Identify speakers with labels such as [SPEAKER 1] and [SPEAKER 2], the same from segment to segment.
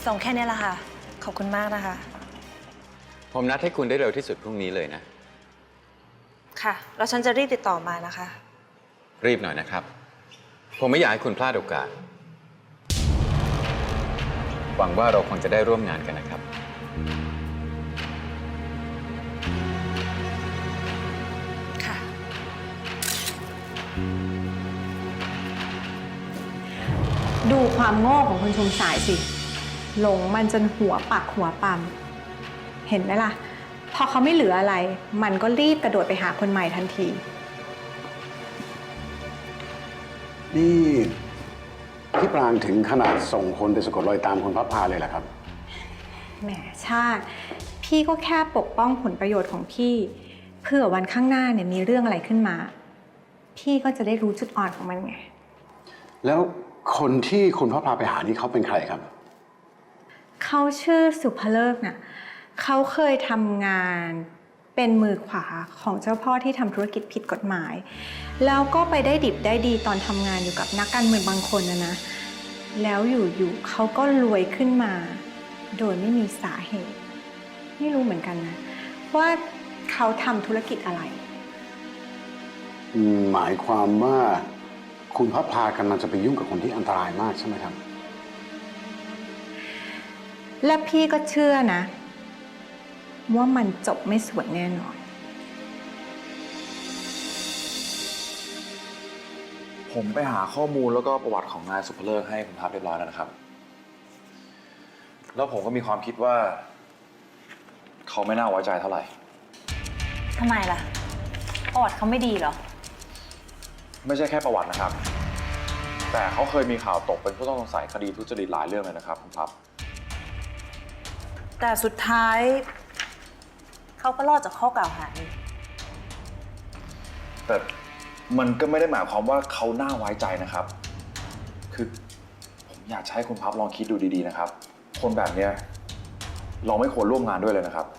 [SPEAKER 1] ส่งแค่นี้แหละค่ะขอบคุณมากนะคะ
[SPEAKER 2] ผมนัดให้คุณได้เร็วที่สุดพรุ่งนี้เลยนะ
[SPEAKER 1] ค่ะแล้วฉันจะรีบติดต่อมานะคะ
[SPEAKER 2] รีบหน่อยนะครับผมไม่อยากให้คุณพลาดโอกาสหวังว่าเราคงจะได้ร่วมงานกันนะครับ
[SPEAKER 1] ค่ะ
[SPEAKER 3] ดูความโง่ของคุณชุมสายสิหลงมันจนหัวปักหัวปั๊มเห็นไหมล่ะพอเขาไม่เหลืออะไรมันก็รีบกระโดดไปหาคนใหม่ทันที
[SPEAKER 4] นี่พี่ปรางถึงขนาดส่งคนไปสะกดรอยตามคุณพับพาเลยเหรอครับ
[SPEAKER 3] แหมชาติพี่ก็แค่ปกป้องผลประโยชน์ของพี่เพื่อวันข้างหน้าเนี่ยมีเรื่องอะไรขึ้นมาพี่ก็จะได้รู้จุดอ่อนของมันไง
[SPEAKER 4] แล้วคนที่คุณพับพาไปหานี่เขาเป็นใครครับ
[SPEAKER 3] เขาชื่อสุภเลิกน่ะเขาเคยทำงานเป็นมือขวาของเจ้าพ่อที่ทำธุรกิจผิดกฎหมายแล้วก็ไปได้ดิบได้ดีตอนทำงานอยู่กับนักการเมืองบางคนนะแล้วอยู่ๆเขาก็รวยขึ้นมาโดยไม่มีสาเหตุไม่รู้เหมือนกันนะว่าเขาทำธุรกิจอะไร
[SPEAKER 4] หมายความว่าคุณพับพากำลังจะไปยุ่งกับคนที่อันตรายมากใช่ไหมครับ
[SPEAKER 3] และพี่ก็เชื่อนะว่ามันจบไม่สวยแน่นอน
[SPEAKER 5] ผมไปหาข้อมูลแล้วก็ประวัติของนายสุภเลิกให้คุณพับเรียบร้อยแล้วนะครับแล้วผมก็มีความคิดว่าเขาไม่น่าไว้ใจเท่าไหร่
[SPEAKER 1] ทำไมล่ะประวัติเขาไม่ดีเหรอ
[SPEAKER 5] ไม่ใช่แค่ประวัตินะครับแต่เขาเคยมีข่าวตกเป็นผู้ต้องสงสัยคดีทุจริตหลายเรื่องเลยนะครับคุณพับ
[SPEAKER 1] แต่สุดท้ายเขาก็รอดจากข้อกล่าวหานี้
[SPEAKER 5] แต่มันก็ไม่ได้หมายความว่าเขาน่าไว้ใจนะครับคือผมอยากให้คุณพับลองคิดดูดีๆนะครับคนแบบเนี้ยเราไม่ควรร่วมงานด้วยเลยนะครับ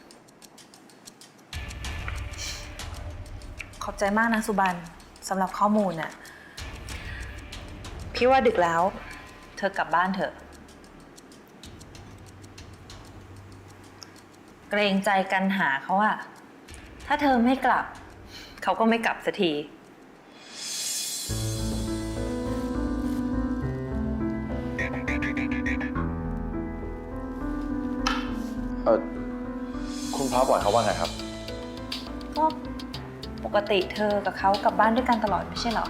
[SPEAKER 1] ขอบใจมากนะสุบันสำหรับข้อมูลน่ะพี่ว่าดึกแล้วเธอกลับบ้านเถอะเกรงใจกันหาเขาอะถ้าเธอไม่กลับเขาก็ไม่กลับสักที
[SPEAKER 5] คุณพับบอกเขาว่าไงครับ
[SPEAKER 1] ก็ปกติเธอกับเขากลับบ้านด้วยกันตลอดไม่ใช่เหรอ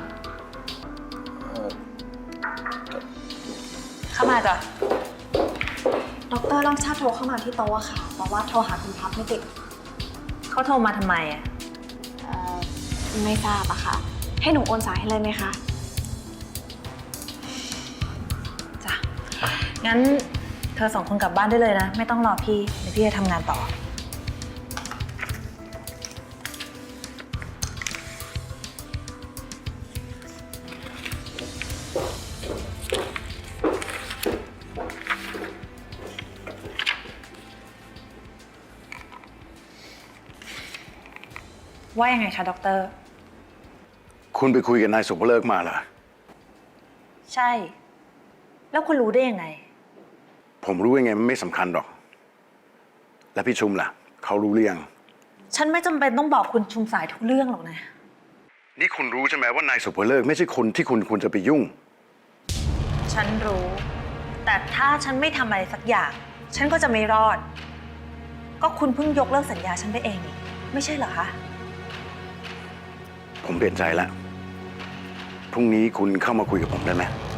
[SPEAKER 1] เข้ามาจ้ะ
[SPEAKER 6] ดร.รังชาติโทรเข้ามาที่โต๊ะค่ะบอกว่าโทรหาคุณพับไม่ติด
[SPEAKER 1] เขาโทรมาทำไมอ่ะ
[SPEAKER 6] ไม่ทราบอะค่ะให้หนูโอนสายให้เลยไหมคะ
[SPEAKER 1] จ้ะงั้นเธอสองคนกลับบ้านได้เลยนะไม่ต้องรอพี่เดี๋ยวพี่จะทำงานต่อว่ายังไงคะด็อกเตอร์
[SPEAKER 4] คุณไปคุยกับนายสุภเลิกมาเหรอ
[SPEAKER 1] ใช่แล้วคุณรู้ได้ยังไง
[SPEAKER 4] ผมรู้ยังไงมันไม่สำคัญหรอกแล้วพี่ชุมล่ะเขารู้หรือยัง
[SPEAKER 1] ฉันไม่จำเป็นต้องบอกคุณชุมสายทุกเรื่องหรอกนะ
[SPEAKER 4] นี่คุณรู้ใช่ไหมว่านายสุภเลิกไม่ใช่คนที่คุณควรจะไปยุ่ง
[SPEAKER 1] ฉันรู้แต่ถ้าฉันไม่ทำอะไรสักอย่างฉันก็จะไม่รอดก็คุณเพิ่งยกเลิกสัญญาฉันไปเองนี่ไม่ใช่เหรอคะ
[SPEAKER 4] ผมเปลี่ยนใจแล้วพรุ่งนี้คุณเข้ามาคุยกับผมได้ไหม